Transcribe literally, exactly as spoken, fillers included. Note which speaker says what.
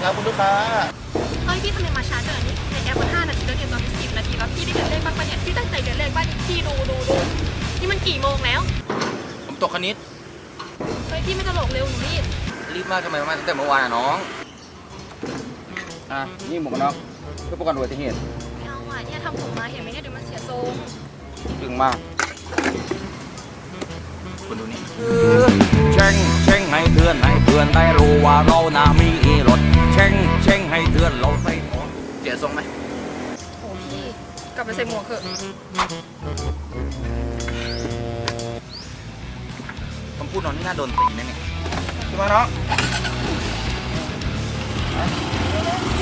Speaker 1: ครับคุณลูกค้า
Speaker 2: เฮ้ยพี่ทำไมมาช้าจังนี่ในแอปมันห้านาทีแล้วเดี๋ยวตอนนี้สิบนาทีแล้วพี่ได้เดินเลขบ้างปะเนี่ยพี่ตั้งใจเดินเลขบ้างนี่พี่ดูดูดูนี่มันกี่โมงแล้ว
Speaker 1: ผมตกคณิต
Speaker 2: เฮ้ยพี่ไม่ตลกเร็วหนูรีบ
Speaker 1: รีบมากทำไมมาตั้งแต่เมื่อวานอ่ะน้องอ่ะนี่หมวกกันน็อกเพื่อป้องกันอุบัติเหตุ
Speaker 2: ไม่เอาอ่ะเนี่ยทำผมมาเห็นไหมเนี่ยเดี๋ยวมันเสียทรง
Speaker 1: ดึงมากคุณดูนี่เช่งเช่งให้เพื่อนให้เพื่อนได้รู้ว่าเราน่ามีรถเช่งเช่งให้เพื่อนเราใส่หมวกเสียทรงไหม
Speaker 2: โอ้พี่กลับไปใส่หมวกเถอะ
Speaker 1: คำพูดน้องนี่น่าโดนตีนะเนี่ยใช่ไหมน้อง